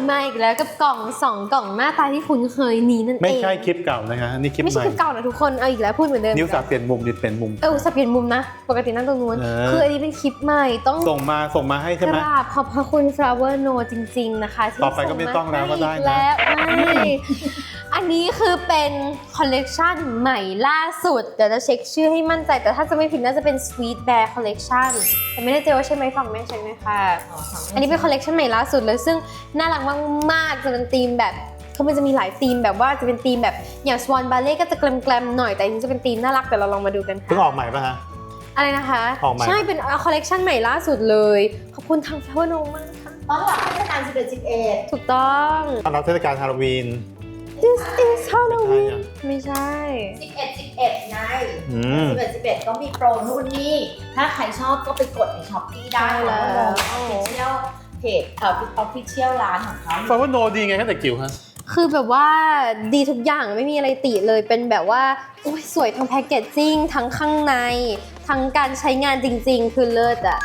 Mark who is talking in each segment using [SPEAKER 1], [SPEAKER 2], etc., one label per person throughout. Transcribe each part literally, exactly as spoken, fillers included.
[SPEAKER 1] มาอีกแล้วกับกล่องสองกล่องหน้าตาที่คุ้นเคยนี้นั่นเอง
[SPEAKER 2] ไม่ใช่คลิปเก่านะคะนี่คลิปใหม่
[SPEAKER 1] ไม่ใช่คลิปเก่านะทุกคนเอาอีกแล้วพูดเหมือนเดิม
[SPEAKER 2] นิ้วสับเปลี่ยนมุมดิเปลี่ยนมุม
[SPEAKER 1] เออสับเปลี่ยนมุมนะปกตินั่งตรงนู้นคืออันนี้เป็นคลิปใหม่ต้อง
[SPEAKER 2] ส่งมาส่งมาให้ใช่ไหม
[SPEAKER 1] กราบขอบพระคุณ Flower No จริงๆนะคะ
[SPEAKER 2] ต่อไปก็ไม่ต้องแล้วก็ได้นะ
[SPEAKER 1] แล้วอันนี้คือเป็นคอลเลกชันใหม่ล่าสุดเดี๋ยวจะเช็คชื่อให้มั่นใจแต่ถ้าจะไม่ผิดน่าจะเป็น Sweet Bear Collection แต่ไม่ได้เจอว่าใช่ไหมฝั่งแม่ใช่ไหมคะอันนี้เป็นคอลเลกชันใหม่ล่าสุดเลยซึ่งน่ารักมากๆจะเป็นธีมแบบคือมันจะมีหลายธีมแบบว่าจะเป็นธีมแบบอย่าง Swan Ballet ก็จะแกลมๆหน่อยแต่อันนี้จะเป็นธีมน่ารักแต่เราลองมาดูกันค่ะ
[SPEAKER 2] เพิ่งออกใหม่ป่ะฮะ
[SPEAKER 1] อะไรนะคะใช่เป็นคอลเลกชันใหม่ล่าสุดเลยขอบคุณทาง Flower No มากค่ะ
[SPEAKER 3] ต้อนรับเทศกาลสิบเอ็ด สิบเอ็ด
[SPEAKER 1] ถูกต้อง
[SPEAKER 2] ต้อนรับเทศกาลฮาโลวีน
[SPEAKER 1] This is Halloween ไม่ใช่
[SPEAKER 3] สิบเอ็ด สิบเอ็ดไงสิบเอ็ด สิบเอ็ดก็มีโปรนู่นนี่ถ้าใครชอบก็ไปกดใน Shopee ได้แล้วก็ลง Official เพจเอ่อ Official ร้านของเขา
[SPEAKER 2] ฟลาวเวอร์โนดีไงแค่แต่จิ๋วฮะ
[SPEAKER 1] คือแบบว่าดีทุกอย่างไม่มีอะไรติเลยเป็นแบบว่าโอ้ยสวยทั้งแพคเกจจิ้งทั้งข้างในทั้งการใช้งานจริงๆคือเลิศอะ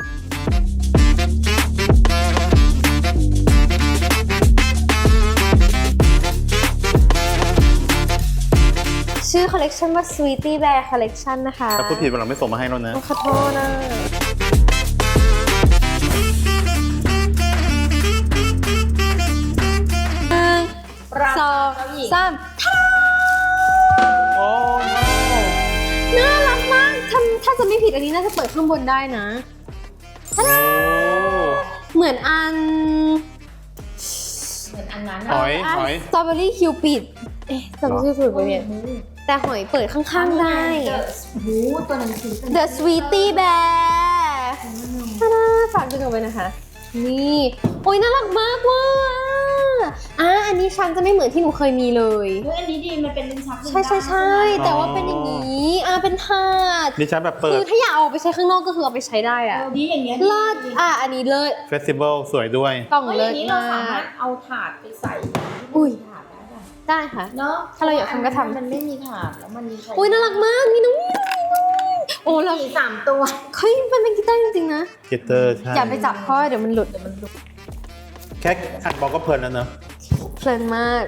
[SPEAKER 1] ชื่อคอลเลกชันว่า Sweetie Bear Collection นะคะ
[SPEAKER 2] ถ้าพูดผิดวันหลังไม่ส่งมาให้แล้วนะ
[SPEAKER 1] ขอโทษนะสองสาม
[SPEAKER 2] โอ้
[SPEAKER 1] น่ารักมากถ้าถ้าจะไม่ผิดอันนี้น่าจะเปิดข้างบนได้นะเหมือนอัน
[SPEAKER 3] เหมือนอันนั้น
[SPEAKER 2] หอยหอย
[SPEAKER 1] สตรอเบอรี่คิวปิดเอ๊ะจำชื่อถูกไหมเนี่ยแต่หอยเปิดข้างๆได้
[SPEAKER 3] หูตัวหนังสือ
[SPEAKER 1] The Sweetie Bear ฝากดูกันไปนะคะนี่โอ้ยน่ารักมากว่ะอ่ะอันนี้ชั้นจะไม่เหมือนที่หนูเคยมีเลย
[SPEAKER 3] เฮ้ยอันนี้ดีมันเป็นลิ้นชัก
[SPEAKER 1] ใช่ใช่ใช่แต่ว่าเป็นอย่างนี้อ่ะเป็นถาด
[SPEAKER 2] ดิฉันแบบเปิด
[SPEAKER 1] คือถ้าอยากเอาไปใช้ข้างนอกก็คือเอาไปใช้ได้อ่ะ
[SPEAKER 3] ดีอย่างเงี้ย
[SPEAKER 1] เลิศอ่ะอันนี้เลิศ
[SPEAKER 2] เฟสติวัลสวยด้วย
[SPEAKER 1] กล่องเลิศ
[SPEAKER 3] มากอย่างนี้เราสามารถเอาถาดไปใส่
[SPEAKER 1] อุ้ย
[SPEAKER 3] ถาดได้ป่ะ
[SPEAKER 1] ได้ค่ะ
[SPEAKER 3] เนาะ
[SPEAKER 1] ถ้าเราอยากทำก็ทำ
[SPEAKER 3] มันไม่มีถาดแล้วมันมี
[SPEAKER 1] อุ้ยน่ารักมากมีน้องมีโอ้เรา
[SPEAKER 3] สามตัว
[SPEAKER 1] เฮ้ยมันเป็นกีตาร์จริงๆนะ
[SPEAKER 2] กีตาร์ใช่
[SPEAKER 1] อย่าไปจับเพราะเดี๋ยวมันหลุดเดี๋ยวมันหลุด
[SPEAKER 2] แค่อัดบอกก็เพลินแล้วเนอะ
[SPEAKER 1] เพลินมาก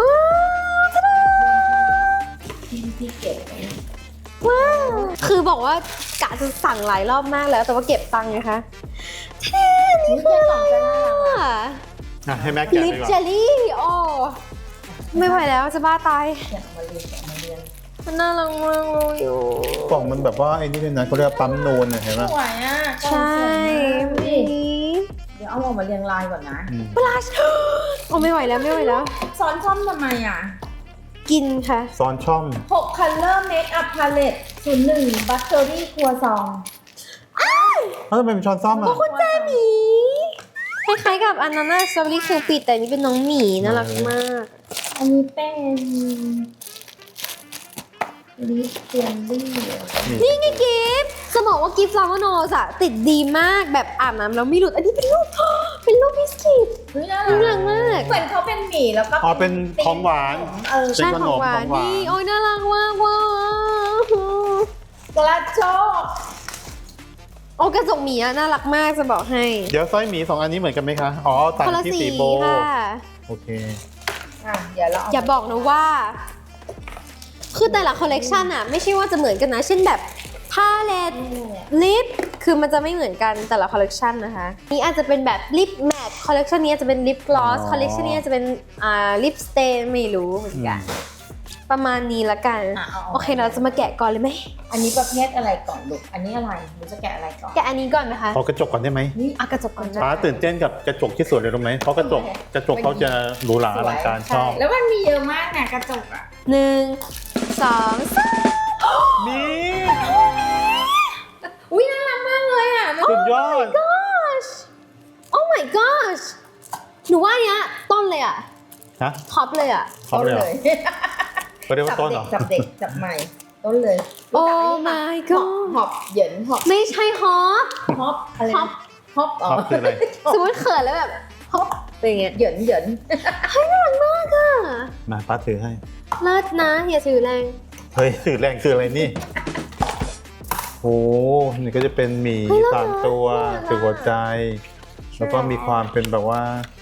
[SPEAKER 3] ที่เก็บ
[SPEAKER 1] ว้าวคือบอกว่ากะจะสั่งหลายรอบมากแล้วแต่ว่าเก็บตังค์ไงคะ
[SPEAKER 3] นี่คือสองจะน่า
[SPEAKER 2] รักให้แม็กแกะ
[SPEAKER 1] ลิปเจลลี่โอ้ไม่ไหวแล้วจะบ้าตาย
[SPEAKER 3] อยากมาเรียนอยากมาเรียน
[SPEAKER 1] มันน่ารักมากเลยอยู่
[SPEAKER 2] กล่องมันแบบว่าไอ้นี่เลยนะเขาเรียกปั๊มนูนเห็นไหม
[SPEAKER 3] สวยอ่ะ
[SPEAKER 1] ใช่
[SPEAKER 3] เดี๋ยวเอาออกมาเรียงลายก่อนนะ
[SPEAKER 1] ปลาชโอ้ไม่ไหวแล้วไม่ไหวแล้ว
[SPEAKER 3] ซ้อนช่อมทำไมอ่ะ
[SPEAKER 1] กินค่ะ
[SPEAKER 2] ซ้อนช่อม
[SPEAKER 3] หก Color Makeup Palette ศูนย์หนึ่ง Buttery ครัวซอง
[SPEAKER 2] แล้วทำไมเป็นช้อนซ่อมอ่ะ
[SPEAKER 1] คุณแจหมีคล้ายๆกับอันนั้นนะสตรอเบอรี่คิวปิดแต่นี่เป็นน้องหมีน่ารักมาก
[SPEAKER 3] อันนี้เป็นลิปเจลลี่
[SPEAKER 1] นี่ไงกิฟต์จะบอกว่ากิฟต์ฟลาวโนสอะติดดีมากแบบอาบน้ำแล้วไม่หลุดอันนี้เป็นรูปเป็นรูปบิสกิตน่ารักมาก
[SPEAKER 3] เหมือนเขาเป็นหมี่แล้วก็
[SPEAKER 2] อ๋อเป็นของหวาน
[SPEAKER 1] เออใช่ของหวานนี่โอ้ยน่ารักมากว้าว
[SPEAKER 3] กระโจก
[SPEAKER 1] โอ้กระจกหมีอะน่ารักมากจะบอกให้
[SPEAKER 2] เดี๋ยวสร้อยหมีสองอันนี้เหมือนกันไหมคะอ๋อต่างที่สีโบโอเค
[SPEAKER 3] อ่ะเดี๋ยวเรา
[SPEAKER 1] อย่าบอกนะว่าคือแต่ละคอลเลกชันอะไม่ใช่ว่าจะเหมือนกันนะเช่นแบบพาเลตลิปคือมันจะไม่เหมือนกันแต่ละคอลเลกชันนะคะนี่อาจจะเป็นแบบลิปแมทคอลเลกชันนี้จะเป็นลิปกลอสคอลเลกชันนี้จะเป็นอ่าลิปสเตนไม่รู้เหมือนกันประมาณนี้ละกันโอเคเราจะมาแกะก่อนเลยไหม
[SPEAKER 3] อันนี้ประเภทอะไรก่อนลูกอันนี้อะไรหนูจะแกะอะไรก่อน
[SPEAKER 1] แกะอันนี้ก่อนนะคะ
[SPEAKER 2] เอากระจกก่อนได้ไหม
[SPEAKER 1] อ่ะกระจกก่อน
[SPEAKER 2] ป้าตื่นเต้นกับกระจกที่สวยเลยรู้ไหมเพราะกระจกกระจกเขาจะหรูหราอลังการชอบ
[SPEAKER 3] แล้วมันมีเยอะมากเนี่ยกระจกอ่ะ
[SPEAKER 1] หนึ่งสองสาม
[SPEAKER 2] มี
[SPEAKER 1] อุ้ยน่ารักมากเลยอ่ะ
[SPEAKER 2] สุดยอด
[SPEAKER 1] Oh my gosh หนูว่าเนี้ยต้นเลยอ่ะ
[SPEAKER 2] ฮะ
[SPEAKER 1] ท็อปเลยอ่ะ
[SPEAKER 2] ท็อปเลยก็เรียกว่าต้นเหรอ
[SPEAKER 3] จับเด็กจับใหม่ต้นเลย
[SPEAKER 1] Oh my god
[SPEAKER 3] ฮอปเหยินฮอป
[SPEAKER 1] ไม่ใช่ฮอป
[SPEAKER 3] ฮอปอะไรฮอปฮอปอ๋อ
[SPEAKER 2] คืออะไร
[SPEAKER 1] สมมติเขินแล้วแบบฮอปเป็นไง
[SPEAKER 3] เหยินเหยิน
[SPEAKER 1] เฮ้ยน่ารักมากอ่ะ
[SPEAKER 2] มาป้าถือให้
[SPEAKER 1] เลิศนะอย่าถือแรง
[SPEAKER 2] เฮ้ยถือแรงคืออะไรนี่โอ้นี่ก็จะเป็นหมีสามตัวถือหัวใจแล้วก็มีความเป็นแบบว่า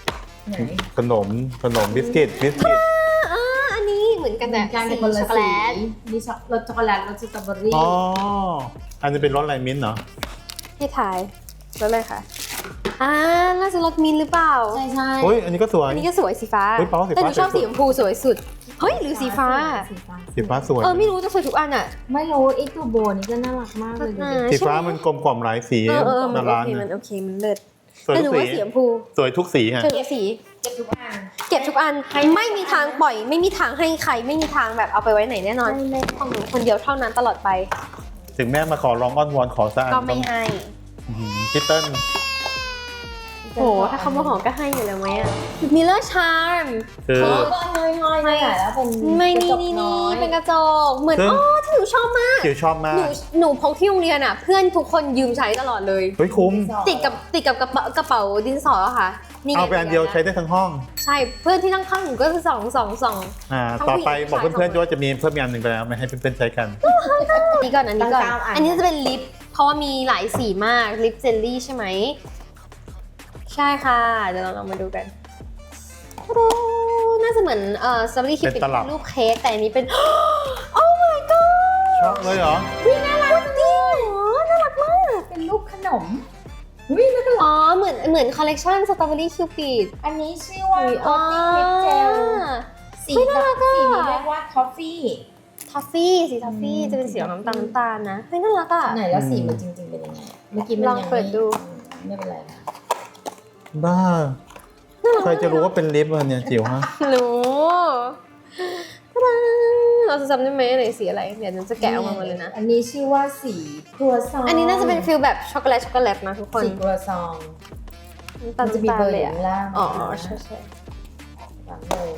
[SPEAKER 3] ไหน
[SPEAKER 2] ขนมขนมบิสกิตบิสกิต
[SPEAKER 1] อ่าอันนี้เหมือนกันแต่
[SPEAKER 3] การ
[SPEAKER 1] สี
[SPEAKER 3] คนละ
[SPEAKER 1] ช็อกโกแล
[SPEAKER 3] สี
[SPEAKER 1] ต
[SPEAKER 3] มีช็อกรสช็อกโกแลตรสสตรอเบอรี่
[SPEAKER 2] อ๋ออันนี้เป็นรสอะไรมิ้นท์เหรอ
[SPEAKER 1] ให้ถ่ายรสอะไรคะอ่าน่าจะรสมินท์หรือเปล่า
[SPEAKER 3] ใช่ใช่
[SPEAKER 2] เฮ้ยอันนี้ก็สวย
[SPEAKER 1] อันนี้ก็สวยสีฟ้า
[SPEAKER 2] เฮ้ยเปล่าสีฟ้า
[SPEAKER 1] แต่หนูชอบ
[SPEAKER 2] สวยสุด
[SPEAKER 1] สีชมพูสวยสุดเฮ้ยหรือสีฟ้า
[SPEAKER 3] สีฟ้า
[SPEAKER 2] สีฟ้าสวย
[SPEAKER 1] เออไม่รู้จะสวยทุกอันอ่ะ
[SPEAKER 3] ไม่รู้ไอ้ตัวโบนี่ก็น่ารักมากเลยดู
[SPEAKER 1] อ่า
[SPEAKER 3] ดิ
[SPEAKER 2] สีฟ้ามันกลมกล่อมหลายสี
[SPEAKER 1] เออเออมั
[SPEAKER 2] ดาน
[SPEAKER 1] โอ
[SPEAKER 2] รา
[SPEAKER 1] เค
[SPEAKER 2] เนี่
[SPEAKER 1] มัน
[SPEAKER 2] ย
[SPEAKER 1] โอเคมันเลิศ
[SPEAKER 2] สวย
[SPEAKER 1] แต่ห
[SPEAKER 2] ทุ
[SPEAKER 1] นู
[SPEAKER 2] กสี
[SPEAKER 1] ว่าสีชมพู
[SPEAKER 2] สวยทุกสีฮะ
[SPEAKER 1] เจอทุกสี
[SPEAKER 3] เก็บทุกอัน
[SPEAKER 1] เก็บทุกอันไม่มีทางปล่อย ไม่มีทางให้ใครไม่มีทางแบบเอาไปไว้ไหนแน่นอน
[SPEAKER 3] ไม่เลย
[SPEAKER 1] ของหนูคนเดียวเท่านั้นตลอดไป
[SPEAKER 2] ถึงแม่มาขอร้องอ้อนวอนขอสักอัน
[SPEAKER 1] ก็ไม่ให้
[SPEAKER 2] อื้อหือพี่เติ้ล
[SPEAKER 1] โอ้โหถ้าเขามาขอก็ให้อยู่แล้วไหมอ่ะมิลเลอร์ชาร์ม
[SPEAKER 2] คือ
[SPEAKER 3] เออก็น้อยๆนี่แหละแล้วเป็น
[SPEAKER 1] ไม่
[SPEAKER 3] กระ
[SPEAKER 1] นี่
[SPEAKER 3] จก
[SPEAKER 1] นี่
[SPEAKER 3] น้
[SPEAKER 1] นี่
[SPEAKER 3] อย
[SPEAKER 1] เป็นกระจกเหมือน
[SPEAKER 2] ซึ่ง
[SPEAKER 1] อ๋อที่หนูชอบมาก
[SPEAKER 2] จิ๋วชอบมา
[SPEAKER 1] หนู
[SPEAKER 2] ก
[SPEAKER 1] หนูพกที่โรงเรียนอ่ะ เพื่อนทุกคนยืมใช้ตลอดเลย
[SPEAKER 2] เฮ้ยคุ้ม
[SPEAKER 1] ติดกับติดกับกระเป๋ากระเป๋าดินสอค่ะนี่ไง
[SPEAKER 2] เอาไปอันเดียวใช้ได้ทั้งห้อง
[SPEAKER 1] ใช่เพื่อนที่นั่งข้างหนูก็คือสองสองสอง
[SPEAKER 2] อ่า
[SPEAKER 1] ทั้ง
[SPEAKER 2] ต่อไป
[SPEAKER 1] ผู้หญิง
[SPEAKER 2] บอก
[SPEAKER 1] ผู้ชาย
[SPEAKER 2] เพื่อน
[SPEAKER 1] สอง
[SPEAKER 2] ๆว่าจะมีเพิ่มอีกอันหนึ่งไปแล้วไม่ให้เพื่อนๆใช้กัน
[SPEAKER 1] อันนี้ก่อนอันนี้ก่อน
[SPEAKER 3] ตั้งเก้าอัน
[SPEAKER 1] อันนี้จะเป็นลิป เพราะว่ามีหลายสีมาก ลิปเจลลี่ใช่ไหม ใช่ค่ะ เดี๋ยวเราลองมาดูกันโอ้น่าจะเหมือนเอ่อสตรอเบอรี่คิป
[SPEAKER 2] เป็นตลับ
[SPEAKER 1] รูปเค้กแต่อันนี้เป็น โอ้ my god
[SPEAKER 2] ชอบเลยเหรอ
[SPEAKER 1] นี่น่ารักจริงเหรอน่ารักมาก
[SPEAKER 3] เป็นรูปขนมอุ้ยแล้วก็
[SPEAKER 1] อ๋อ เหมือนเหมือนคอลเลกชันสตรอเบอรี่คิวปิด
[SPEAKER 3] อันนี้ชื่อว่า Coffee Lip Gel สี
[SPEAKER 1] เฮ้ยน่ารักอะ
[SPEAKER 3] สีนี้เรียกว่า Coffee
[SPEAKER 1] ทอฟฟี่สีทอฟฟี่
[SPEAKER 3] อืม
[SPEAKER 1] จะเป็นสีออกน้ำตาลน้ำตาลนะเฮ้ยน่ารักอ่ะ
[SPEAKER 3] ไหนแล้วสีมันจริงๆเป็นยังไง เมื่อกี้มัน
[SPEAKER 1] ลอง
[SPEAKER 3] ยัง
[SPEAKER 1] เปิดดู
[SPEAKER 3] ไม่เป็นไรค่ะ
[SPEAKER 2] บ้า ใครจะรู้ว่าเป็นลิปอะเนี่ยจิ๋วฮะ
[SPEAKER 1] รู้ตาดาเราจะจำได้ไหมไหนสีอะไร เดี๋ยวฉันจะแกะออกมาหมดเลยนะ
[SPEAKER 3] อันนี้ชื่อว่าสีครัวซอง
[SPEAKER 1] อันนี้น่าจะเป็นฟิลแบบช็อกโกแลตช็อกโกแลตนะทุกคน
[SPEAKER 3] สีครัวซอง
[SPEAKER 1] น้ำตาล
[SPEAKER 3] มันจะมี
[SPEAKER 1] น้ำ
[SPEAKER 3] เบ
[SPEAKER 1] ตา
[SPEAKER 3] อ
[SPEAKER 1] ล
[SPEAKER 3] ร์
[SPEAKER 1] เล
[SPEAKER 3] อย ยู่
[SPEAKER 1] อะ
[SPEAKER 3] ข้างล่าง
[SPEAKER 1] อ๋อใช่ใช่
[SPEAKER 3] หลังเลย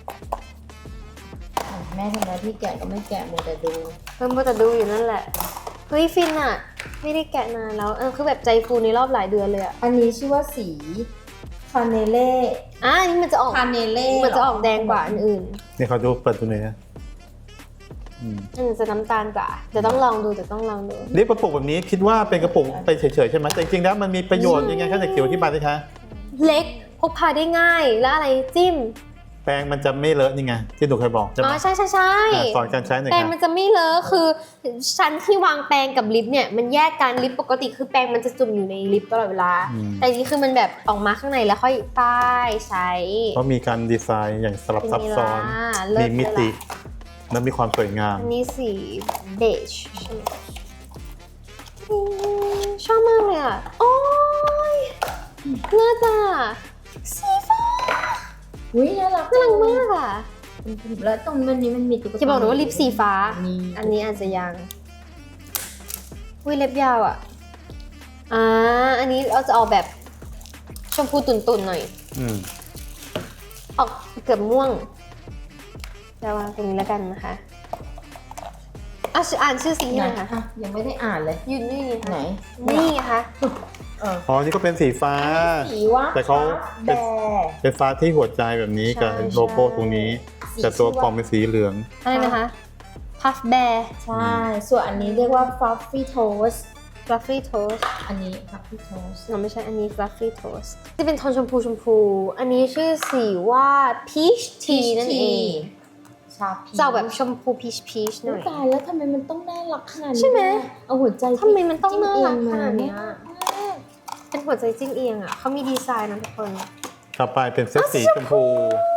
[SPEAKER 3] อ่ะแม่ทำหน้าที่แกะก็ไม่แกะมัวแต่ดู
[SPEAKER 1] เพิ่มแต่ดูอยู่นั่นแหละ เฮ้ยฟินอะไม่ได้แกะนานแล้วเออคือแบบใจฟูในรอบหลายเดือนเลยอะ
[SPEAKER 3] อันนี้ชื่อว่าสีคาเนเล่
[SPEAKER 1] อ่ะอันนี้มันจะออก
[SPEAKER 3] คาเนเล่
[SPEAKER 1] มันจะออกแดงกว่าอันอื่น
[SPEAKER 2] นี่เขาดูเปิดดูหน่อยนะอืม
[SPEAKER 1] อันนี้จะน้ำตาลกว่าเดี๋ยวต้องลองดูเดี๋ยวต้องลองดู
[SPEAKER 2] ลิปกระปุกแบบนี้คิดว่าเป็นกระปุกไปเฉยๆใช่ไหมแต่จริงๆแล้วมันมีประโยชน์ยังไงคะเด็กจิ๋วที่บายสิคะ
[SPEAKER 1] เล็กพกพาได้ง่ายแล้วอะไรจิ้ม
[SPEAKER 2] แป้งมันจะไม่เลอะนี่ไงที่หนูเคยบอกใช่ไห
[SPEAKER 1] อ๋
[SPEAKER 2] ม
[SPEAKER 1] อใช่ใช่ใช่
[SPEAKER 2] อ่ะสอนการใช้หน่อย
[SPEAKER 1] แปรง
[SPEAKER 2] ค่ะ
[SPEAKER 1] มันจะไม่เลอะคือชั้นที่วางแปรงกับลิปเนี่ยมันแยกกันลิปปกติคือแปรงมันจะจุ่มอยู่ในลิปตลอดเวลา
[SPEAKER 2] อืม
[SPEAKER 1] แต่อันนี้คือมันแบบออกมาข้างในแล้วค่อยป้ายใช้
[SPEAKER 2] เพราะมีการดีไซน์อย่างสลับซับซ้อน
[SPEAKER 1] เป็นไงล่ะเลิ
[SPEAKER 2] มี
[SPEAKER 1] ศ
[SPEAKER 2] มิติ
[SPEAKER 1] เลยล่ะ
[SPEAKER 2] และมีความสวยงาม
[SPEAKER 1] อันนี้สีเบจใช่ไหมอืมชอบมากเลยอ่ะ โอ้ยเลิศอ่ะสีฟ้า
[SPEAKER 3] อุ้ยน่ารัก
[SPEAKER 1] น่ารักมากอ่ะ
[SPEAKER 3] แล้วตรงมันนี้มันมีตุ๊กตา
[SPEAKER 1] จะบอกหนูว่าลิปสีฟ้า
[SPEAKER 3] มี
[SPEAKER 1] อันนี้อาจจะยังอุ้ยเล็บยาวอ่ะ อ่า อันนี้เราจะออกแบบชมพูตุ่นๆหน่อย
[SPEAKER 2] อืม
[SPEAKER 1] ออกเกือบม่วงจะวางตรงนี้แล้วกันนะคะอ่ะอ่านชื่อสีให้หน่อยค่ะ
[SPEAKER 3] อ่ะยังไม่ได้อ่านเลย
[SPEAKER 1] ยืนนี่ไง
[SPEAKER 3] ไหน
[SPEAKER 1] คะนี่ไงคะ
[SPEAKER 3] เออ
[SPEAKER 2] อ๋อนี่ก็เป็นสีฟ้า
[SPEAKER 3] สีว่า
[SPEAKER 2] แต่เขา
[SPEAKER 3] แบ
[SPEAKER 2] เป็น
[SPEAKER 3] ร์
[SPEAKER 2] เป็นฟ้าที่หัวใจแบบนี้กับโลโก้ตรงนี้ แต่ตัวกล่องเป็นสีเหลือง
[SPEAKER 1] อะไรนะคะ Puff Bear
[SPEAKER 3] ใช่ ส่วนอันนี้เรียกว่า fluffy toast
[SPEAKER 1] Fluffy Toast
[SPEAKER 3] อันนี้ fluffy toast
[SPEAKER 1] เราไม่ใช่อันนี้ Fluffy Toast จะเป็นโทนชมพูชมพู อันนี้ชื่อสีว่า Peach Tea นั่นเอง
[SPEAKER 3] ชาพี
[SPEAKER 1] จะเอาแบบชมพู Peach Peach หน่อย
[SPEAKER 3] ตายแล้วทำไมมันต้องน่ารักขนาดนี้
[SPEAKER 1] ใช่ไหม
[SPEAKER 3] เอาหัวใจ
[SPEAKER 1] ทำไมมันต้องน่ารักขนาด
[SPEAKER 3] จิ้ม
[SPEAKER 1] เนี้ย
[SPEAKER 3] เองม
[SPEAKER 1] เป็นหัวใจจิ้งเอียงอ่ะเขามีดีไซน์นะทุกคน
[SPEAKER 2] ต่อไปเป็นเซตสีชมพู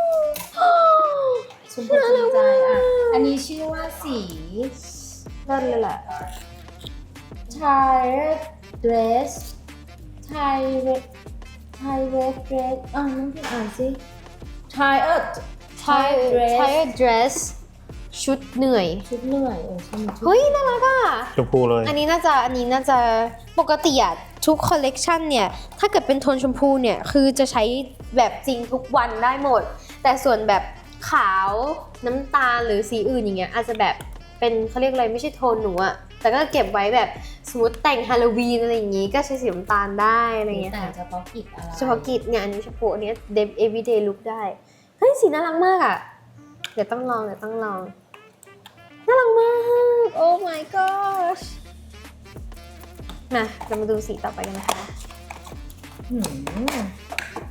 [SPEAKER 3] ชมพูจริงใจอ่ะ อันนี้ชื่อว่าสี
[SPEAKER 1] เลิศเลยแหละ
[SPEAKER 3] tired dress tired tired dress อ่ะน้องพี่อ่านสิ tired
[SPEAKER 1] Tired
[SPEAKER 3] dress
[SPEAKER 1] Tired Dress ชุดเหนื่อย
[SPEAKER 3] ชุดเหนื่อยเออใช่ไหมชุด
[SPEAKER 1] เฮ้ย น่ารักอ่ะ
[SPEAKER 2] ชมพูเลย
[SPEAKER 1] อันนี้น่าจะอันนี้น่าจะปกติอะทุกคอลเลกชันเนี่ย ถ้าเกิดเป็นโทนชมพูเนี่ย คือจะใช้แบบจริงทุกวันได้หมด แต่ส่วนแบบขาวน้ำตาลหรือสีอื่นอย่างเงี้ยอาจจะแบบเป็นเขาเรียกอะไรไม่ใช่โทนหนูอะแต่ก็เก็บไว้แบบสมมติแต่งฮาโลวีนอะไรอย่างงี้ ก็ใช้สีน้ำตาลได้อะไรอย่างเงี้ย
[SPEAKER 3] แต่
[SPEAKER 1] ค่ะ
[SPEAKER 3] เฉพาะกิจอะไร
[SPEAKER 1] เฉพาะกิจเนี่ยอันนี้เฉพาะอันเนี้ยเดฟ everyday look ได้ เฮ้ย สีน่ารักมากอะเดี๋ยวต้องลองเดี๋ยวต้องลอง น่ารักมาก โอ้ my gosh มาเรามาดูสีต่อไปกันนะคะ
[SPEAKER 3] หืม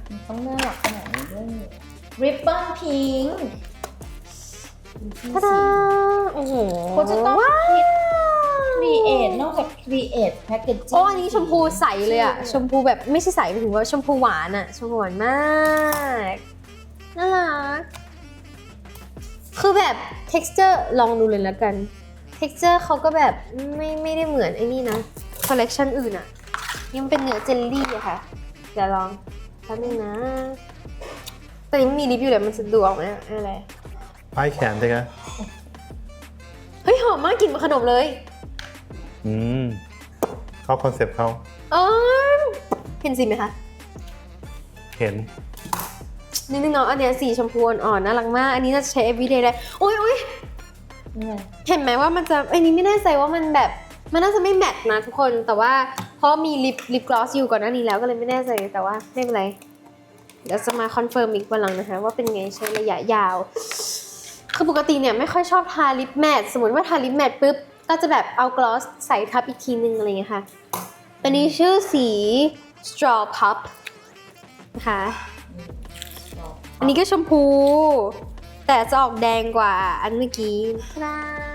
[SPEAKER 3] มันต้องน่ารักขนาดนี้ด้วยริบบิ้นพิงค์
[SPEAKER 1] ตาดาโอ้โห
[SPEAKER 3] เขาจะต้อง
[SPEAKER 1] ว้าว
[SPEAKER 3] คิด create นอกจาก create packaging
[SPEAKER 1] โอ้อันนี้ชมพูใสเลยอะชมพูแบบไม่ใช่ใสหมายถึงว่าชมพูหวานอะชมพูหวานมากน่ารักคือแบบ texture ลองดูเลยแล้วกัน texture เขาก็แบบไม่ไม่ได้เหมือนไอ้นี่นะ collection อื่นอะนี่มันเป็นเนื้อเจลลี่อะค่ะเดี๋ยวลองแป๊บนึงนะแต่นี่มันมีลิปอยู่เลยมันจะดูออกไหมอะอะไร
[SPEAKER 2] ป้ายแขนใช่ไหม
[SPEAKER 1] เฮ้ยหอมมากกลิ่นเหมือนขนมเลย
[SPEAKER 2] อืมเข้าคอนเซปต์เขา
[SPEAKER 1] อ๋อเห็นสีไหมคะ
[SPEAKER 2] เห็น
[SPEAKER 1] นิดนึงเนาะอันเนี้ยสีชมพูอ่อนๆน่ารักมาก อันนี้น่าจะใช้ everyday ได้โอ้ยโอ้ยเห็นไหมว่ามันจะอันนี้ไม่แน่ใจว่ามันแบบมันน่าจะไม่แมทนะทุกคนแต่ว่าเพราะมีลิปลิปกลอสอยู่ก่อนหน้านี้แล้วก็เลยไม่แน่ใจแต่ว่าไม่เป็นไรเดี๋ยวจะมาคอนเฟิร์มอีกวันหลังนะคะว่าเป็นไงใช้ระยะยาวคือปกติเนี่ยไม่ค่อยชอบทาลิปแมทสมมติว่าทาลิปแมทปุ๊บก็จะแบบเอากลอสใส่ทับอีกทีนึงอะไรอย่างเงี้ยค่ะอันนี้ชื่อสี straw pup นะคะอันนี้ก็ชมพูแต่จะออกแดงกว่าอันเมื่อกี้นะ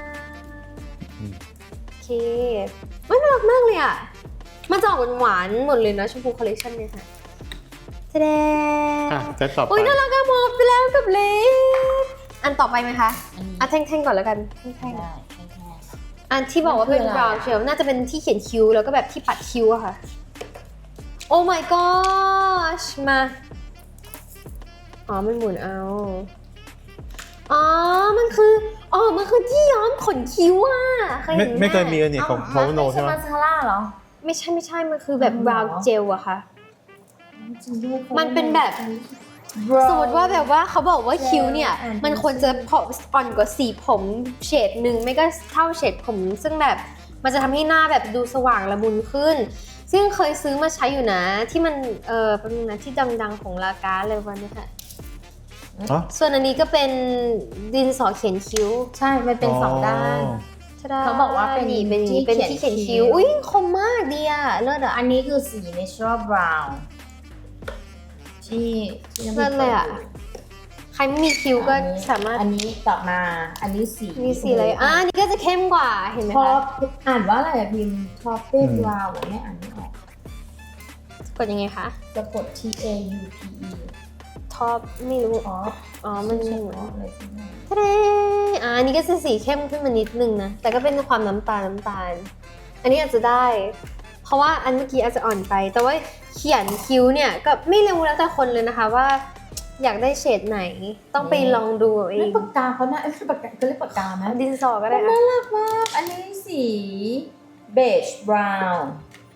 [SPEAKER 1] โอเคมันน่ารักมากเลยอ่ะมันจะออกหวานๆหมดเลยนะชมพูคอลเลคชันเนี่ยค่ะแสดง
[SPEAKER 2] อ่ะเซตต่อไป
[SPEAKER 1] โอ้ยน่ารักอะหมดไปแล้วกับเล็บอันต่อไปไหมคะ
[SPEAKER 3] อันนี้
[SPEAKER 1] อ่ะแท่งๆก่อนแล้วกันแท่ง
[SPEAKER 3] ได้แค่แค่
[SPEAKER 1] ๆอันที่บอกว่าเป็น
[SPEAKER 3] มันคืออะไร
[SPEAKER 1] brown shell น่าจะเป็นที่เขียนคิ้วแล้วก็แบบที่ปัดคิ้วอะค่ะโอ้ my gosh มาอ๋อมันหมุนเอาอ๋อมันคืออ๋อมันคือที่ย้อมขนคิ้วอะเคย
[SPEAKER 2] ไม่
[SPEAKER 1] เห็นไหม
[SPEAKER 2] ไม่เคยมีอันนี้ของพาวโนใช่ไหม
[SPEAKER 3] มาสคาร่าเหรอ
[SPEAKER 1] ไม่ใช่ไม่ใช่มันคือแบบ
[SPEAKER 3] อ๋อ
[SPEAKER 1] brown gel อะค่ะ
[SPEAKER 3] จริงด้วย
[SPEAKER 1] มันเป็นแบบ สมมติว่าแบบว่าเขาบอกว่าคิ้วเนี่ย มันควรจะอ่อนกว่าสีผมเฉดหนึ่งไม่ก็เท่าเฉดผม ซึ่งแบบมันจะทำให้หน้าแบบดูสว่างละมุนขึ้น ซึ่งเคยซื้อมาใช้อยู่นะ ที่มันเออเป็นนะที่ดังๆของลากาเลยวันนี้ค่ะ
[SPEAKER 2] อ๋อ
[SPEAKER 1] ส่วนอันนี้ก็เป็นดินสอเขียนคิ้ว
[SPEAKER 3] ใช่ มันเป็นสองด้าน
[SPEAKER 1] ชะด
[SPEAKER 3] เขาบอกว่าเป็น
[SPEAKER 1] นี่เป็นอย่างนี้
[SPEAKER 3] ที่
[SPEAKER 1] เป็น
[SPEAKER 3] เขียน
[SPEAKER 1] ที่เขียน
[SPEAKER 3] คิ้
[SPEAKER 1] คิ้ว
[SPEAKER 3] ว
[SPEAKER 1] อุ้ยคมมากดีอะเลิศอะ
[SPEAKER 3] อันนี้คือสี natural brown ที่ที่
[SPEAKER 1] เลิศเลยอะใครไม่มีคิ้วก็สามารถ
[SPEAKER 3] อันนี้ต่อมา อันนี้สี
[SPEAKER 1] มีสีอะไรอ่ะอันนี้ก็จะเข้มกว่าเห็นไหม
[SPEAKER 3] ท็อ
[SPEAKER 1] คะ
[SPEAKER 3] ปอ่านว่าอะไรอะพิมพ์ท็อปเป็นวาวไม่อ่านไม่ออก
[SPEAKER 1] กดยังไงคะ
[SPEAKER 3] จะกด T A U P E
[SPEAKER 1] ท็อปไม่รู้
[SPEAKER 3] ท็อป
[SPEAKER 1] อ๋อ มัน
[SPEAKER 3] ใช่
[SPEAKER 1] เหมือน
[SPEAKER 3] ท็อปอะไรสักอย่าง
[SPEAKER 1] ทะเลอ่าอันนี้ก็จะสีเข้มขึ้นมานิดนึงนะ แต่ก็เป็นความน้ำตาลน้ำตาล อันนี้อาจจะได้ เพราะว่าอันเมื่อกี้อาจจะอ่อนไป แต่ว่าเขียนคิ้วเนี่ยก็ไม่รู้แล้วแต่คนเลยนะคะว่า อยากได้เฉดไหน ต้องไปลองดูเอาเอ
[SPEAKER 3] นี่
[SPEAKER 1] ง
[SPEAKER 3] ปากกาเขาน่าเอ้ยปากกาเขาเรียกปากกาไหม
[SPEAKER 1] ดินสอก็ได้
[SPEAKER 3] น่า
[SPEAKER 1] อะ
[SPEAKER 3] รักมาก อันนี้สีเบจบราวน์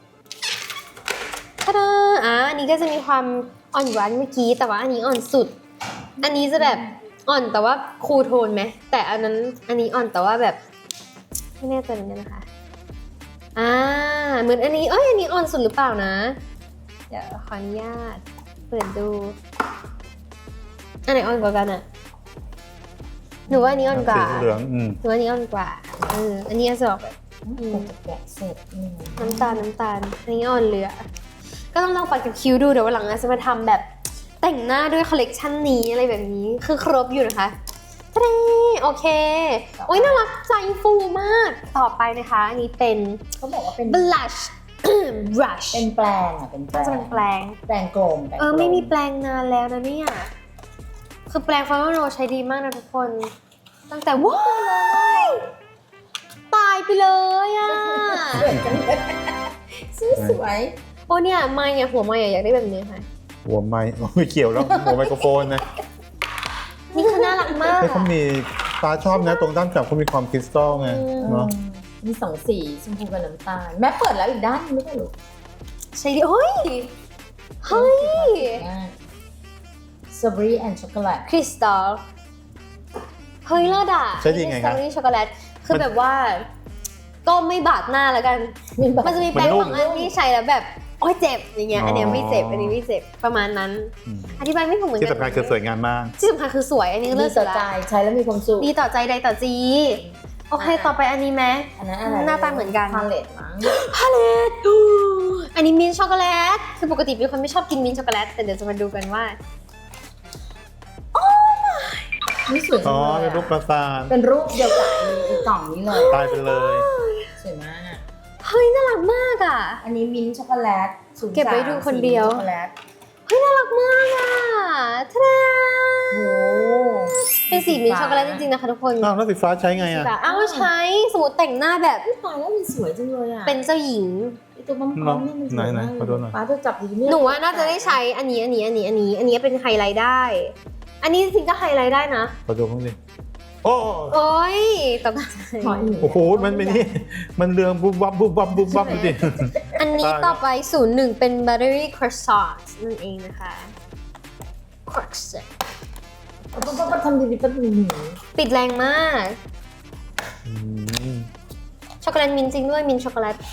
[SPEAKER 1] ทะดาอ่าอันนี้ก็จะมีความอ่อนหวานเมื่อกี้ แต่ว่าอันนี้อ่อนสุด อันนี้จะแบบอ่อนแต่ว่าคูลโทนไหม แต่อันนั้นอันนี้อ่อนแต่ว่าแบบไม่แน่ใจเหมือนกันนะคะ อ่าเหมือนอันนี้ เอ้ยอันนี้อ่อนสุดหรือเปล่านะ เดี๋ยวขออนุญาตเปิดดู อันไหนอ่อนกว่ากันอะหนูว่าอันนี้อ่อนกว่า
[SPEAKER 2] สีเหลืองอืม
[SPEAKER 1] หนูว่าอันนี้อ่อนกว่าเอออันนี้จะออกแบบ
[SPEAKER 3] คงจะแกะเสร็จอืม
[SPEAKER 1] น้ำตาลน้ำตาลอันนี้อ่อนเหลือ ก็ต้องลองปัดกับคิ้วดูเดี๋ยววันหลังอาจจะมาทำแบบแต่งหน้าด้วยคอลเลกชันนี้อะไรแบบนี้คือครบอยู่นะคะทะเลโอเคโอ้ยน่ารักใจฟูมากต่อไปนะคะ อันนี้เป็น
[SPEAKER 3] เขาบอกว่าเป็น
[SPEAKER 1] blush brush
[SPEAKER 3] เป็นแปลงอ่ะ เป็นแปล
[SPEAKER 1] น่าง จะเป็นแปลง
[SPEAKER 3] แปลงกลมแปลงกล
[SPEAKER 1] เออไม่มีแปลงนานแล้วนะเนี่ยคือแปลงฟาร์มโนใช้ดีมากนะทุกคน ตั้งแต่ว้ายตายไปเลยอ่ะ
[SPEAKER 3] สวยจังเลยซื้อสวย
[SPEAKER 1] โอ้เนี่ยไม่เนี่ยหัวไม่อยากได้แบบนี้ค่ะ
[SPEAKER 2] หัวไม้ไม่เกี่ยวแล้วหัวไมโครโฟนนะ
[SPEAKER 1] นี่คือน่ารักมาก
[SPEAKER 2] เฮ้ย
[SPEAKER 1] อะ
[SPEAKER 2] เขามีตาชอบนะตรงด้านจับเขามีความคริสตัลไง
[SPEAKER 1] อืม
[SPEAKER 2] เนาะ
[SPEAKER 3] มีสองสีชมพูกับน้ำตาล แม่เปิดแล้วอีกด้านนึงไม่ใช่หรอ
[SPEAKER 1] ใช่ดิเฮ้ย เฮ้ย
[SPEAKER 3] สตรอเบอรี่แอนด์ช็อกโกแลต
[SPEAKER 1] คริสตัล เฮ้ยเลิศอ่ะ
[SPEAKER 2] ใช่ดีไงครับ
[SPEAKER 1] นี่ช็อกโกแลต คือแบบว่า ก็ไม่บาดหน้าแล้วกัน มันจะมีแปรงบางอันที่ใช้แล้วแบบ โอ้ยเจ็บอย่างเงี้ย อันเนี้ยไม่เจ็บ อันนี้ไม่เจ็บ ประมาณนั้น
[SPEAKER 2] อืม
[SPEAKER 1] อธิบายไม่ถูกเหมือนกั
[SPEAKER 2] ที่สำคัญคือสวยงามมาก
[SPEAKER 1] ที่สำคัญคือสวย อันนี้ก็
[SPEAKER 3] ดี
[SPEAKER 1] เลิศ
[SPEAKER 3] ต่
[SPEAKER 1] สุ
[SPEAKER 3] อ
[SPEAKER 1] ดละ
[SPEAKER 3] ใจใช้แล้วมีความสุข
[SPEAKER 1] ดีต่อใจใดต่อจีโอเคต่อไปอันนี้ไหม
[SPEAKER 3] อันนั้นอะไร
[SPEAKER 1] หน้าตาเหมือนกัน
[SPEAKER 3] พาเลตมั้ง
[SPEAKER 1] พาเลตอันนี้มิ้นท์ช็อกโกแลตคือปกติเป็นคนไม่ชอบกินมิ้นท์ช็อกโกแลตแต่เดี๋ยวจะมาดูกันว่า
[SPEAKER 3] นี่สวยจั
[SPEAKER 2] อ๋
[SPEAKER 3] ง
[SPEAKER 2] อ
[SPEAKER 3] เลย
[SPEAKER 2] เป็นรูปป
[SPEAKER 3] อะ
[SPEAKER 2] ราสาท
[SPEAKER 3] เป็นรูปเดียวกับไอ้กล่องนี้เลย
[SPEAKER 2] ตายไปเลย
[SPEAKER 3] สวยมาก
[SPEAKER 1] เฮ้ยน่ารักมากอ่ะ
[SPEAKER 3] อันนี้มิ้นท์ช็อกโกแลตศูนย์
[SPEAKER 1] เก็บไว้ดูคนเดียว
[SPEAKER 3] ช็อกโกแลต
[SPEAKER 1] เฮ้ยน่ารักมากอ่ะทะเล
[SPEAKER 3] โอ้
[SPEAKER 1] เป็นสีมิ้นท์ช็อกโกแลตจริงๆนะคะทุกคน
[SPEAKER 2] อ้าวแล้วสีฟ้าใช้ไงอ่ะ
[SPEAKER 1] แบบอ้าวใช้สมมติแต่งหน้าแบบ
[SPEAKER 3] ตายแล้วมันสวยจังเลยอ่ะ
[SPEAKER 1] เป็นเจ้าหญิง
[SPEAKER 3] ไอตัวมัมพร้อมนี่มันสวย
[SPEAKER 2] ไหน
[SPEAKER 3] มาก
[SPEAKER 2] ๆขอดูหน่อย
[SPEAKER 3] ป้าจะจับดีไม่
[SPEAKER 1] หนูว่าน่าจะได้ใช้อันนี้อันนี้อันนี้อันนี้ อันนี้เป็นไฮไลท์ได้ อันนี้จริงๆก็ไฮไลท์ได้นะ
[SPEAKER 2] ขอดูบ้างดิโอ้
[SPEAKER 1] โอ้ยตกใจ
[SPEAKER 3] ขออีก
[SPEAKER 2] โอ้โหมันเป็นนี่มันเรืองบุบบับบุบบับบุบบับดูดิ
[SPEAKER 1] อันนี้ต่อไปศูนย์หนึ่งเป็น buttery croissant นั่นเองนะคะ croissant
[SPEAKER 3] ป้าป้าป้าทำดีๆป้าดูหนู
[SPEAKER 1] ปิดแรงมาก
[SPEAKER 2] อืม
[SPEAKER 1] ช็อกโกแลตมินท์จริงด้วยมินท์ช็อกโกแลต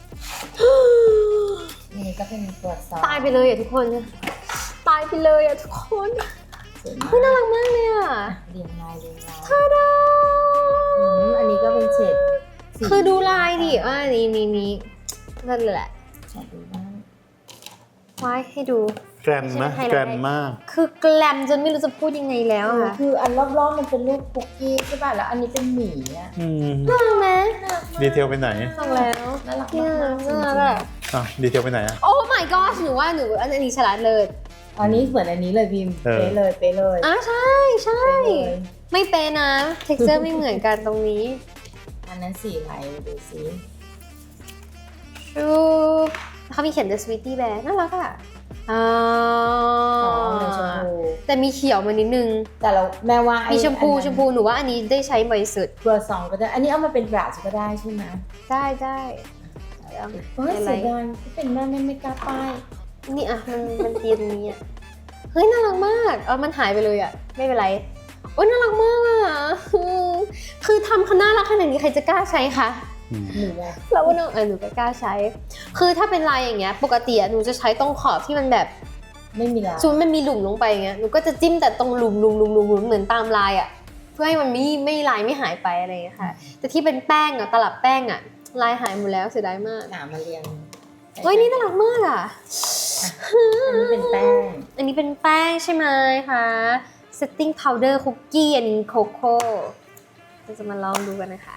[SPEAKER 3] นี่ก็เป็นตัวซอส
[SPEAKER 1] ตายไปเลยอ่ะทุกคน ตายไปเลยอ่ะทุกคน
[SPEAKER 3] สวยมาก
[SPEAKER 1] เฮ้ยน่ารักมากเลยอ่ะ
[SPEAKER 3] เรียงลายเรียงลาย
[SPEAKER 1] ทาดา
[SPEAKER 3] อืมอันนี้ก็เป็นเฉดสี
[SPEAKER 1] คือดูลายดิอ่านี่นี่นี่นั่นแหละ
[SPEAKER 3] ขอดูบ้าง
[SPEAKER 1] ไว้ให้ดู
[SPEAKER 2] แกรนนะแกรนมาก
[SPEAKER 1] คือแกลมจนไม่รู้จะพูดยังไงแล้วอะ
[SPEAKER 3] คืออันรอบๆมันเป็นรูปคุกกี้ใช่ป่ะแล้วอันนี้เป็นหมีอ่ะ
[SPEAKER 2] อืม
[SPEAKER 1] น่ารักไหม
[SPEAKER 2] ดีเทลไปไหน
[SPEAKER 1] ฟังแล้ว
[SPEAKER 3] น่ารัก
[SPEAKER 1] เนี่ย
[SPEAKER 3] มากๆจริ
[SPEAKER 1] น่าง รักอะ
[SPEAKER 2] อ่ะดีเทลไปไหนอ่ะ
[SPEAKER 1] โอ้ my god หนูว่าหนูอันนี้ฉลาดเลย
[SPEAKER 3] ๆอันนี้เหมือนอันนี้เลยพิมพ์
[SPEAKER 2] เออ
[SPEAKER 3] เป๊ะเลยเป๊ะเลย
[SPEAKER 1] อ่ะใช่ใช่
[SPEAKER 3] เป๊ะเลย
[SPEAKER 1] ไม่เป๊ะนะ texture ไม่เหมือนกันตรงนี้
[SPEAKER 3] อันนั้นสีอะไรดูสิ
[SPEAKER 1] ชูเขามีเขียน the sweetie bear น่ารักอ่ะอ๋อ
[SPEAKER 3] อ๋อเลยชมพู
[SPEAKER 1] แต่มีเขียวมานิดนึง
[SPEAKER 3] แต่เราแม่ว่าไอ้
[SPEAKER 1] มีชมพู
[SPEAKER 3] อันนั้น
[SPEAKER 1] ชมพูหนูว่าอันนี้ได้ใช้บ่อยสุด
[SPEAKER 3] เบอร์สองก็ได้ อันนี้เอามาเป็นบราชก็ได้ใช่ไหม
[SPEAKER 1] ได้ได้เอา
[SPEAKER 3] เฮ้ย
[SPEAKER 1] อะไร
[SPEAKER 3] เสียดายที่เป็นแม่ไม่ไม่กล้าป้าย
[SPEAKER 1] นี่อ่ะมันมันเตียนนี้อ่ะเฮ้ยน่ารักมากเออมันหายไปเลยอ่ะไม่เป็นไรโอ้ยน่ารักมากอ่ะอืมคือทำขนาดรักขนาดนี้ใครจะกล้าใช้คะ
[SPEAKER 2] อืม
[SPEAKER 3] หนูอะ
[SPEAKER 1] เราว่าน้องเออหนูก็กล้าใช้ คือถ้าเป็นลายอย่างเงี้ยปกติอะหนูจะใช้ตรงขอบที่มันแบบ
[SPEAKER 3] ไม่มีลาย
[SPEAKER 1] ซูมมันมีหลุมลงไปอย่างเงี้ยหนูก็จะจิ้มแต่ตรงหลุมหลุมหลุมหลุมหลุมเหมือนตามลายอะเพื่อให้มันไม่ไม่ลายไม่หายไปอะไรอย่างเงี้ยค่ะ แต่ที่เป็นแป้งอะตลับแป้งอะลายหายหมดแล้วเสียดายมาก
[SPEAKER 3] หนามาเรียง
[SPEAKER 1] เฮ้ยนี่น่ารักมากอะ
[SPEAKER 3] อันนี้เป็นแป้ง
[SPEAKER 1] อันนี้เป็นแป้งใช่ไหมคะ setting powder cookie อันนี้โคโค่เราจะมาลองดูกันนะคะ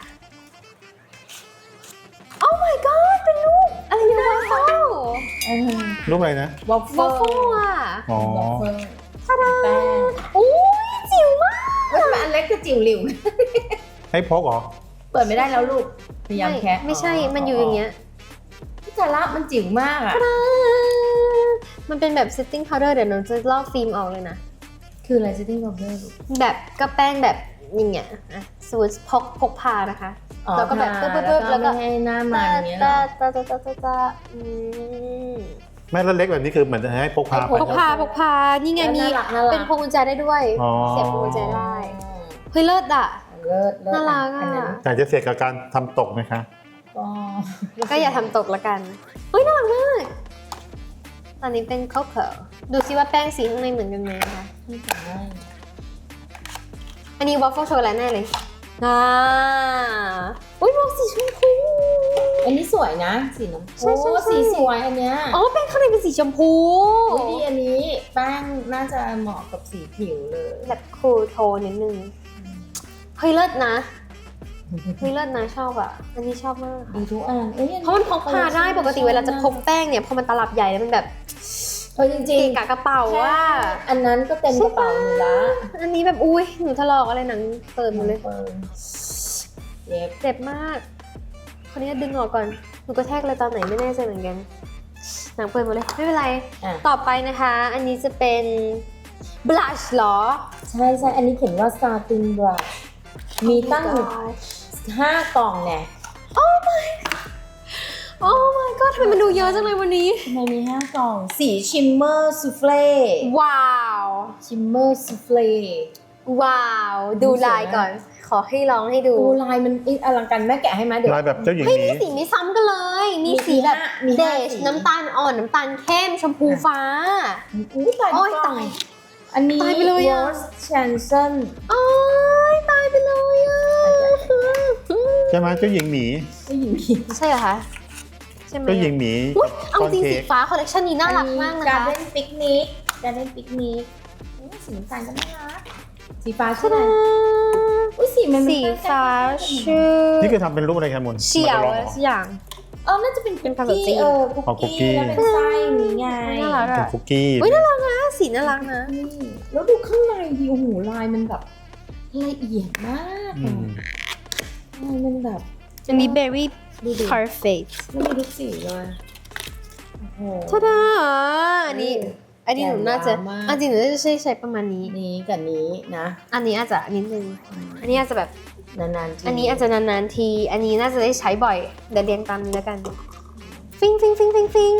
[SPEAKER 1] Oh my god เป็นลูกอะไรเนี่ยวอฟเฟิล
[SPEAKER 2] รูปอะไรนะ
[SPEAKER 3] วอฟ
[SPEAKER 1] ว
[SPEAKER 3] เฟิ
[SPEAKER 1] อ
[SPEAKER 3] ล
[SPEAKER 1] ฟเฟิลอ่ะ
[SPEAKER 2] อ๋อ
[SPEAKER 3] วอฟเฟิล
[SPEAKER 1] ทาดา
[SPEAKER 3] แป้ง
[SPEAKER 1] โอ้ยจิ๋วมาก
[SPEAKER 3] เฮ้ยทำไมอันเล็กกับจิ๋วหลิว
[SPEAKER 2] ให้พกเหรอ
[SPEAKER 3] เปิดไม่ได้แล้วลูกพยายามแคะ
[SPEAKER 1] ไม่ใช่ มันอยู่อย่างเงี้ย
[SPEAKER 3] พี่จาระมันจิ๋วมากอ่ะ
[SPEAKER 1] มันเป็นแบบ setting powder เดี๋ยวหนูจะลอกฟิล์มออกเลยนะ
[SPEAKER 3] คืออะไรซิตติ้งวอฟเฟิลลูก
[SPEAKER 1] แบบก็แป้งแบบอย่างเงี้ยอ่ะสมมติพกพกพานะคะ แล้วก็แบบปึ๊บปึ๊บปึ๊บแล้วก็
[SPEAKER 3] ไม่ให้หน้ามันอย่างเงี้ยเหร
[SPEAKER 1] ตา
[SPEAKER 3] อ
[SPEAKER 1] ตาตาตาตาตาอืม
[SPEAKER 2] แม่แล้วเล็กแบบนี้คือเหมือนจะให้พกพาไป
[SPEAKER 1] พกพาพกพา นี่ไงมี
[SPEAKER 3] น่ารักน่ารัก
[SPEAKER 1] เป็นพวงกุญแจได้ด้วย
[SPEAKER 2] อ๋อ
[SPEAKER 1] เสียบพวงกุญแจได้ เฮ้ยเลิศอ่ะ
[SPEAKER 3] เลิศเลิศ
[SPEAKER 1] น่ารักอะ
[SPEAKER 3] นนั้น
[SPEAKER 2] อยากจะเสี่ยงกับการทำตกไหมคะ
[SPEAKER 3] ก็
[SPEAKER 1] ก็อย่าทำตกละกัน เฮ้ยน่ารักมาก ตอนนี้เป็นข้าวเผาดูซิว่าแป้งสีข้างในเหมือนกันไหมนะคะ
[SPEAKER 3] ไม่สามารถ
[SPEAKER 1] อันนี้วอฟเฟิลช็อกโกแลตแน่เลยอ่าอุ้ยมองสีชมพู
[SPEAKER 3] อันนี้สวยนะสีน้ำ
[SPEAKER 1] ใช่ใช่
[SPEAKER 3] โอ้
[SPEAKER 1] ใช่
[SPEAKER 3] สีสวยอันเนี้ย
[SPEAKER 1] อ๋อแป้งข้างในเป็นสีชมพู
[SPEAKER 3] อุ๊ยดีอันนี้แป้งน่าจะเหมาะกับสีผิวเลย
[SPEAKER 1] แบบคูลโทนนิดนึง เฮ้ยเลิศนะ เฮ้ยเลิศนะชอบอ่ะ อันนี้ชอบมาก
[SPEAKER 3] ดีทุกอันอ้ยอั
[SPEAKER 1] เพราะมันพกพาได้ปกติเวลาจะพกแป้งเนี่ยพอมันตลับใหญ่แล้วมันแบบ
[SPEAKER 3] เออจ
[SPEAKER 1] เก
[SPEAKER 3] ริง
[SPEAKER 1] ะกะกระเป๋า
[SPEAKER 3] ๆ
[SPEAKER 1] ว่า
[SPEAKER 3] อันนั้นก็เต็มกระเป๋าหนูละ
[SPEAKER 1] อันนี้แบบอุ้ยหนูทะลอกอะไรหนังเปิดหมดเลย
[SPEAKER 3] ปิดเย็บ
[SPEAKER 1] เจ็บมาก คนนี้ดึงออกก่อน หนูก็แทกเลยตอนไหนไม่แน่ใจเหมือนกัน หนังเปิดหมดเลย ไม่เป็นไร
[SPEAKER 3] อ่ะ
[SPEAKER 1] ต่อไปนะคะ อันนี้จะเป็น blush เหรอ
[SPEAKER 3] ใช่ใช่อันนี้เขียนว่า satin brush มีตั้ง
[SPEAKER 1] Oh my god
[SPEAKER 3] ห้ากล่องเนี่ย
[SPEAKER 1] Oh my god ทำไมมันดูเยอะจังเลยวันนี้
[SPEAKER 3] ทำไมมีห้ากล่อง สีชิมเมอร์ซูเฟ่
[SPEAKER 1] ว้าว
[SPEAKER 3] ชิมเมอร์ซูเฟ่
[SPEAKER 1] ว้าว ดูลายก่อน ขอให้ลองให้ดู
[SPEAKER 3] ดูลายมันอลังการแม่แกะให้ไหมเดี๋ยว
[SPEAKER 2] ลายแบบเจ้าหญิง
[SPEAKER 1] เฮ้ย
[SPEAKER 2] หมี
[SPEAKER 1] มีสีไม่ซ้ำกันเลย มีสีแบบ
[SPEAKER 3] มี
[SPEAKER 1] เด
[SPEAKER 3] ห้า
[SPEAKER 1] ช
[SPEAKER 3] สี
[SPEAKER 1] น้ำตาลอ่อน น้ำตาลเข้ม ชมพูฟ้า
[SPEAKER 3] อู้ตาย
[SPEAKER 1] โอ้ย
[SPEAKER 3] กล่ง
[SPEAKER 1] ตาย
[SPEAKER 3] อันนี้
[SPEAKER 1] ตายไปเลยอะ
[SPEAKER 3] Rose Chanson
[SPEAKER 1] โอ้ยตายไปเลยอ่ะ
[SPEAKER 2] ใช่ไหมเจ้าหญิงหมี
[SPEAKER 3] ไม่หญิงผี
[SPEAKER 1] ใช่เหรอคะใช่ไหม
[SPEAKER 2] เจ้าหญิงหมี
[SPEAKER 1] อุ๊ยเอาจริง
[SPEAKER 2] ค้
[SPEAKER 1] สี
[SPEAKER 2] ก
[SPEAKER 1] ฟ้าคอลเลคชันนี้น่ารักมากนะ
[SPEAKER 3] การ
[SPEAKER 1] คะ
[SPEAKER 3] เล่นปิกนิกการเล่นปิกนิกอุ๊ยสีน้ำตาลก็น่ารักสีฟ้าใช่ไหม
[SPEAKER 1] ตาดา
[SPEAKER 3] อุ้ยสีมัน
[SPEAKER 1] สีฟ้าชื่อ
[SPEAKER 2] นี่คือทำเป็นรูปอะไรครับมุน
[SPEAKER 1] เฉียว
[SPEAKER 2] มัน
[SPEAKER 1] อะไร
[SPEAKER 2] จะลองเหรอ
[SPEAKER 1] สักอย่าง
[SPEAKER 3] เออน่าจะเป็น
[SPEAKER 1] เป็นภาษาจีน
[SPEAKER 3] เออคุก
[SPEAKER 2] อ๋อคุกกี้
[SPEAKER 3] กี้แล้วเป็นไส้นี้ไง
[SPEAKER 1] น่ารัก
[SPEAKER 2] เป็น
[SPEAKER 1] อะ
[SPEAKER 2] คุกกี้
[SPEAKER 1] อุ๊ยน่ารักนะสีน่ารักนะ
[SPEAKER 3] นี่แล้วดูข้างในดิโอ้โหลายมันแบบละเอียดมาก
[SPEAKER 2] อื
[SPEAKER 3] อะ
[SPEAKER 2] ม
[SPEAKER 3] ลายมันแบบ
[SPEAKER 1] อันนี้ very
[SPEAKER 3] ดูดิ
[SPEAKER 1] perfect
[SPEAKER 3] ไม่มีทุกสีเลยโอ้โห
[SPEAKER 1] ทาดาอันนี้อันนี้หนูน่าจะ
[SPEAKER 3] แจ๋วมาก
[SPEAKER 1] อันจริงหนูน่าจะใช้ใช้ประมาณนี้
[SPEAKER 3] นี้กับนี้นะ
[SPEAKER 1] อันนี้อาจจะนิดนึงอันนี้อาจจะแบบ
[SPEAKER 3] นานๆที
[SPEAKER 1] อันนี้อาจจะนานๆที อันนี้น่าจะได้ใช้บ่อยเดี๋ยวเรียงตามนี้แล้วกัน ฟิงฟิงฟิงฟิงฟิง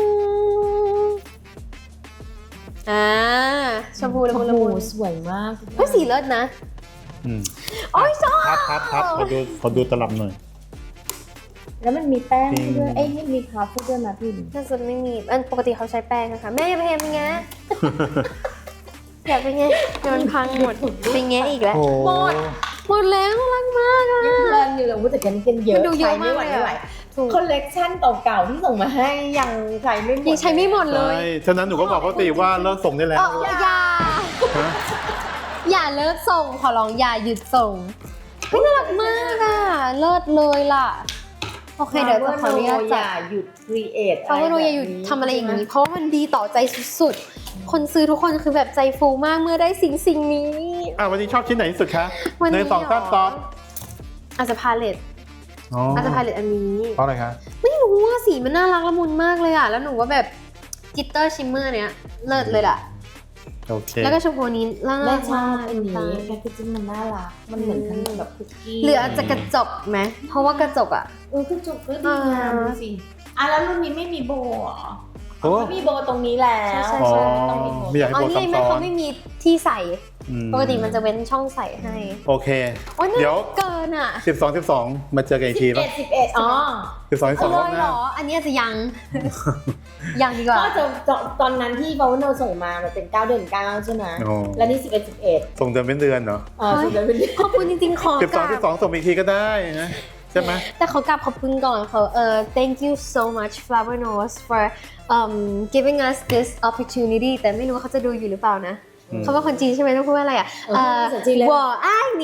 [SPEAKER 1] อ่าชมพูละมุนละมุน
[SPEAKER 3] โอ้โหสวยมาก
[SPEAKER 1] เฮ้ยสีเลิศนะ
[SPEAKER 2] อืม
[SPEAKER 1] โอ้ยชอบ
[SPEAKER 2] พับพับพับขอดูขอดูตลับหน่อย
[SPEAKER 3] แล้วมันมีแป้งให้ด้วย
[SPEAKER 2] จริง
[SPEAKER 3] เอ้ยให้มีพาร์ฟให้ด้วยนะพี่
[SPEAKER 1] น่าจะไม่มีอันปกติเขาใช้แป้งนะคะแม่อย่าไปแฮมเป็นไง อยากเป็นไงเดี๋ยวมันพังหมดเป็นไงอีกแล้ว
[SPEAKER 2] โอ้
[SPEAKER 3] หมด
[SPEAKER 1] หมดแล้วน่ารักมากอะ
[SPEAKER 3] ยังเพลินอยู่เลยว่าแต่กันกันเยอะ
[SPEAKER 1] มันดูเยอะ
[SPEAKER 3] ใช้ไม่ไหว
[SPEAKER 1] มากเลยอะ
[SPEAKER 3] ไม่ไหว
[SPEAKER 1] ถูก
[SPEAKER 3] คอลเลกชันเก่าๆที่ส่งมาให้ยังใช้ไม่หมด
[SPEAKER 1] ยังใช้ไม่หมดเล
[SPEAKER 2] ใช่
[SPEAKER 1] ย
[SPEAKER 2] ฉะนั้นหนูก็บอกเขาสิว่าเลิกส่งได้แล้ว
[SPEAKER 1] เอออย่า
[SPEAKER 2] ฮะ
[SPEAKER 1] อย่าเลิกส่งขอร้องอย่าหยุดส่งเฮ้ยน่ารักมากอ่ะเลิศเลยล่ะโอเคเดี๋ยวจะขออนุญาต
[SPEAKER 3] อ
[SPEAKER 1] จัด
[SPEAKER 3] ย่าหยุดครีเอท
[SPEAKER 1] เพราะว่าหนูอย่าหยุดทำอะไรอย่างนี้ เพราะว่ามันดีต่อใจสุดๆ คนซื้อทุกคนคือแบบใจฟูมากเมื่อได้สิ่งสิ่งนี้
[SPEAKER 2] อ่ะวันนี้ชอบชิ้นไหนที่สุดคะ
[SPEAKER 1] วัน
[SPEAKER 2] ใน
[SPEAKER 1] นี้
[SPEAKER 2] สองต้น
[SPEAKER 1] เหร
[SPEAKER 2] ตอบ
[SPEAKER 1] อาจจะพาเลต
[SPEAKER 2] อ๋อ
[SPEAKER 1] อาจจะพาเลตอันนี้
[SPEAKER 2] เพราะอะไรคะ
[SPEAKER 1] ไม่รู้ว่าสีมันน่ารักละมุนมากเลยอ่ะแล้วหนูว่าแบบจิตเตอร์ชิมเมอร์เนี้ยเลิศเลยล่ะ
[SPEAKER 2] โอเค
[SPEAKER 1] แล้วก็ชมพูนี้น่า
[SPEAKER 3] แม่
[SPEAKER 1] รัก
[SPEAKER 3] ชอบ
[SPEAKER 1] มาก
[SPEAKER 3] อันนี้แพคเกจิ้งมันน่ารักมันเหมือนขนมแบบคุกกี้
[SPEAKER 1] หรืออาจจะกระจกไหมเพราะว่ากระจกอ่ะ
[SPEAKER 3] เออกระจกก็ดีงามดูสิอ่ะแล้วรุ่นนี้ไม่มีโบว์เหรอ
[SPEAKER 2] โอ้
[SPEAKER 3] ไม่มีโบว์ตรงนี้แล้ว
[SPEAKER 1] ใช่
[SPEAKER 2] อ๋อ
[SPEAKER 1] ใช่
[SPEAKER 3] ต้องมีโบว์
[SPEAKER 2] ไม่อยากให้
[SPEAKER 1] อ๋อ
[SPEAKER 2] โบ
[SPEAKER 1] นี่
[SPEAKER 2] ซ้ำ
[SPEAKER 1] ไง
[SPEAKER 2] ซ้อ
[SPEAKER 1] เขา
[SPEAKER 2] น
[SPEAKER 1] ไม่มีที่ใส่
[SPEAKER 2] อืม
[SPEAKER 1] ปกติมันจะเว้นช่องใส่ให้
[SPEAKER 2] โอเค
[SPEAKER 1] โอ้ยน่า
[SPEAKER 2] เดี๋ยว
[SPEAKER 1] รักเกินอ่ะ
[SPEAKER 2] สิบสองสิบสองมาเจอกันอีกที
[SPEAKER 3] สิบ
[SPEAKER 2] ป่ะ
[SPEAKER 3] เอ็ดสิบเอ็ดอ๋อ
[SPEAKER 2] สิบสองสิบส
[SPEAKER 1] เอา
[SPEAKER 2] อง
[SPEAKER 1] เล
[SPEAKER 2] รอบ
[SPEAKER 1] ย
[SPEAKER 2] ห
[SPEAKER 1] เหร
[SPEAKER 2] น้า
[SPEAKER 1] อ อันนี้อาจจะยัง ยังดีกว่า
[SPEAKER 3] ก็จะจะตอนนั้นที่บาวโนส่งมามันเป็นเก้าเดือนเก้าใช่ไหม
[SPEAKER 2] โอ้
[SPEAKER 3] แล้วนี่สิบเอ็ดสิบเอ็ด
[SPEAKER 2] ส่งเดือนเป็นเดือนเหรอ
[SPEAKER 3] เออสิบเอ็ดเป็น
[SPEAKER 1] ขอบคุณจริงๆ ขอ
[SPEAKER 2] สิบ
[SPEAKER 1] ก
[SPEAKER 2] สอง
[SPEAKER 1] รา
[SPEAKER 2] สิบสอง
[SPEAKER 1] บ
[SPEAKER 2] ส่งอีกทีก็ได้นะใช่ไหม
[SPEAKER 1] แต่ขอกราบขอบคุณก่อนเขาเออ thank you so much Flower Nose for um giving us this opportunity แต่ไม่รู้ว่าเขาจะดูอยู่หรือเปล่านะ
[SPEAKER 2] อืม
[SPEAKER 1] เขาเป็นคนจีนใช่ไหมต้องพูดว่าอะไรอ่ะ
[SPEAKER 3] เออภาษาจีนเลย
[SPEAKER 1] 我爱你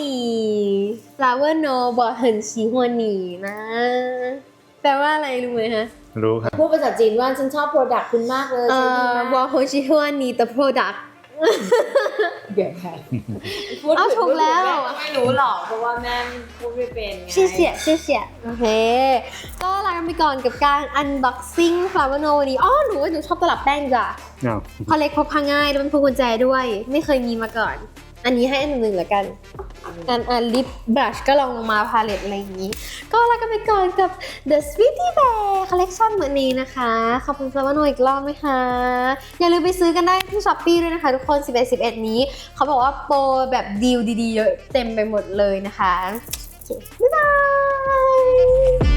[SPEAKER 1] Flower Nose 我很喜欢你นะแปลว่าอะไรรู้ไหมฮะ
[SPEAKER 2] รู้ครับ
[SPEAKER 3] พูดภาษาจีนว่าฉันชอบโปรดักต์คุณมากเลย
[SPEAKER 1] เอ่
[SPEAKER 3] ใช่ไห
[SPEAKER 1] อ
[SPEAKER 3] ม
[SPEAKER 1] 我很喜欢你的 product
[SPEAKER 3] เดี๋ยวค่ะ
[SPEAKER 1] เอาถูกแล้ว
[SPEAKER 3] ไม่รู้หรอกเพราะว่าแม่พูดไม่เป็นไง
[SPEAKER 1] 谢谢谢谢โอเค ก็ลากันไปก่อนกับการ unboxing Flower Nose วันนี้อ๋อหนูว่าหนูชอบตลับแป้งจ้ะ
[SPEAKER 2] อ้าว
[SPEAKER 1] พอเล็กพกพาง่ายแล้วเป็นพวงกุญแจด้วย ไม่เคยมีมาก่อน อันนี้ให้อันหนึ่งๆแล้วกันอันอันลิปบลัชก็ลองลงมาพาเลตอะไรอย่างนี้ ก็ลากันไปก่อนกับ The Sweetie Bear Collection วันนี้นะคะ ขอบคุณ Flower Nose อีกรอบนะคะ อย่าลืมไปซื้อกันได้ที่ Shopee ด้วยนะคะทุกคน สิบเอ็ด สิบเอ็ด นี้ เขาบอกว่าโปรแบบดีลดีๆเยอะเต็มไปหมดเลยนะคะโอเคบ๊ายบาย